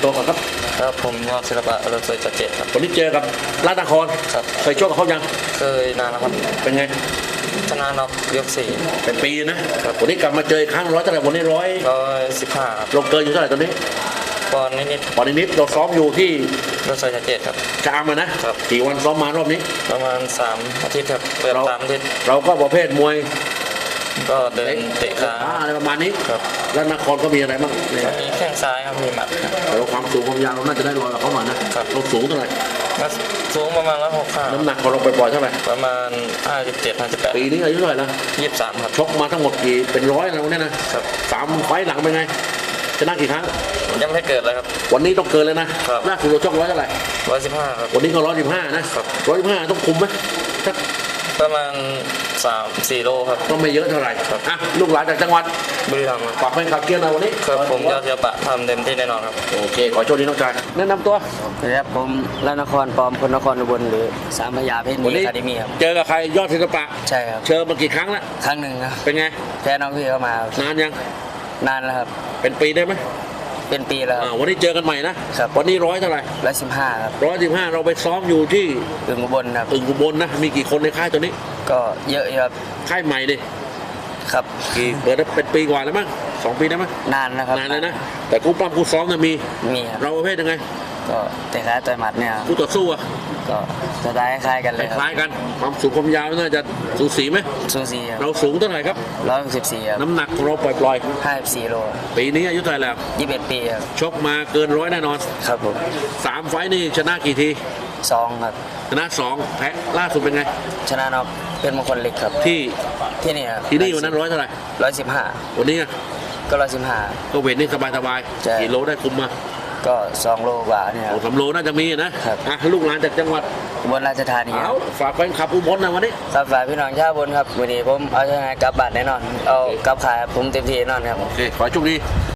ตัวก่อนครับครับผมยอดศิลปะเราเคยจะเจ็ดครับวันนี้เจอกับราชนครครับเคยชกกับเขายังเคยนานแล้วครับเป็นไงชนะน็อกยกสี่เป็นปีนะวันนี้กลับมาเจออีกครั้งร้อยเท่าไหร่วันนี้ 115ครับเราเกินอยู่เท่าไหร่ตอนนี้ปอนนิดปอนนิดเราซ้อมอยู่ที่เราเคยจะเจ็ดครับชะอำนะครับกี่วันซ้อมมารอบนี้ประมาณ3 อาทิตย์ครับเกือบ3 อาทิตย์เราก็ประเภทมวยก็เดินเตะขาอะไรประมาณนี้ครับแล้วนครก็มีอะไรบ้างมีแข้งซ้ายครับมีหมัดแต่เราความสูงความยาวเราน่าจะได้รอยกับเขาหน่อยนะเราสูงเท่าไหร่สูงประมาณ165 น้ำหนักของเราปล่อยๆเท่าไหร่ประมาณ57-58 ปีนี้อายุเท่าไหร่แล้ว 23ครับชกมาทั้งหมดกี่เป็นร้อยแล้วเนี่ยนะ3 ไฟต์หลังเป็นไงชนะกี่ครั้งยังไม่เกิดเลยครับวันนี้ต้องเกินเลยนะล่าสุดเราชกร้อยเท่าไหร่ 115ครับวันนี้ก็115นะ115ต้องคุมไหมประมาณ3-4 โลครับก็ไม่เยอะเท่าไหร่ลูกหลานจากจังหวัดบุรีรัมย์ฝากแฟนคลับเกียร์หน่อยวันนี้ครับผมยอดศิลปะทำเต็มที่แน่นอนครับโอเคขอโชคดีน้องชายแนะนำตัวครับผมรัตนครปอมพลนครอุบลหรือสามพยาเพชรมีคาเดมี่ครับเจอกับใครยอดศิลปะใช่ครับเชิญมากี่ครั้งแล้วครั้งหนึ่งครับเป็นไงแพ้น้องพี่เข้ามานานยังนานแล้วครับเป็นปีได้ไหมเป็นปีแล้ววันนี้เจอกันใหม่นะครับวันนี้100เท่าไหร่ 115ครับ 115เราไปซ้อมอยู่ที่อึ่งอุบลครับอึ่งอุบลนะมีกี่คนในค่ายตัวนี้ก็เยอะครับค่ายใหม่ดิครับกี่เปิดได้เป็นปีกว่าแล้วมั้ง2 ปีได้มั้ยนานนะครับนานเลยนะแต่คู่ปั้มคู่ซ้อมมีครับเราประเภทยังไงก็แต่ขาต่อยหมัดเนี่ยคู่ต่อสู้ก็จะได้คล้ายกันเลยคล้ายกันความสูงความยาวน่าจะสูสีไหมสูสีเราสูงเท่าไหร่ครับ 164ครับน้ำหนักเราปล่อย 54 โลปีนี้อายุเท่าไหร่แล้ว 21 ปีครับชกมาเกิน100แน่นอนครับผม 3 ไฟต์นี่ชนะกี่ที 2ครับชนะ2แพ้ล่าสุดเป็นไงชนะน็อกเป็นมงคลเหล็กครับที่นี่ครับที่นี่วันนั้น100เท่าไหร่ 115 วันนี้ก็115 ก็เวทนี่สบายกี่โลได้คุมมาก็2 โลกว่าเนี่ย 3 โลน่าจะมีนะครับลูกหลานจากจังหวัดอุบลราชธานีฝากแฟนคลับอุบลนะวันนี้ครับฝากพี่น้องชาวอุบลครับวันนี้ผมเอาชนะกลับบ้านแน่นอนเอากลับขายผมเต็มที่แน่นอนครับโอเคขอโชคดี